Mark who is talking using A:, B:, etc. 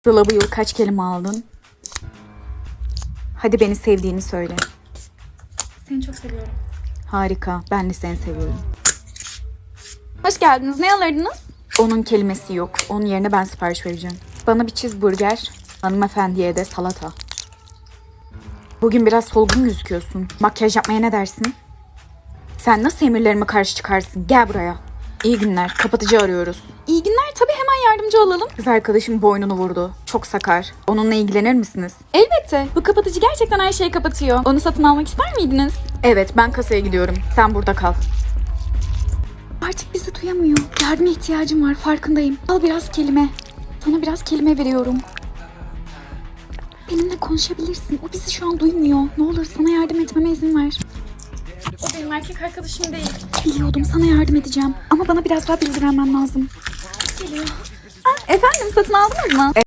A: Sıla, bu yıl kaç kelime aldın? Hadi beni sevdiğini söyle.
B: Seni çok seviyorum.
A: Harika. Ben de seni seviyorum.
B: Hoş geldiniz. Ne alırdınız?
A: Onun kelimesi yok. Onun yerine ben sipariş vereceğim. Bana bir cheeseburger, hanımefendiye de salata. Bugün biraz solgun gözüküyorsun. Makyaj yapmaya ne dersin? Sen nasıl emirlerime karşı çıkarsın? Gel buraya. İyi günler. Kapatıcı arıyoruz.
B: İyi günler. Tabii hemen yardımcı olalım.
A: Kız arkadaşım boynunu vurdu. Çok sakar. Onunla ilgilenir misiniz?
B: Elbette. Bu kapatıcı gerçekten her şeyi kapatıyor. Onu satın almak ister miydiniz?
A: Evet, ben kasaya gidiyorum. Sen burada kal.
B: Artık bizi duyamıyor. Yardıma ihtiyacım var. Farkındayım. Al biraz kelime. Sana biraz kelime veriyorum. Benimle konuşabilirsin. O bizi şu an duymuyor. Ne olur sana yardım etmeme izin ver. O benim erkek arkadaşım değil. Biliyordum, sana yardım edeceğim. Ama bana biraz daha bilgi vermen lazım. Geliyor. Efendim, satın aldınız mı?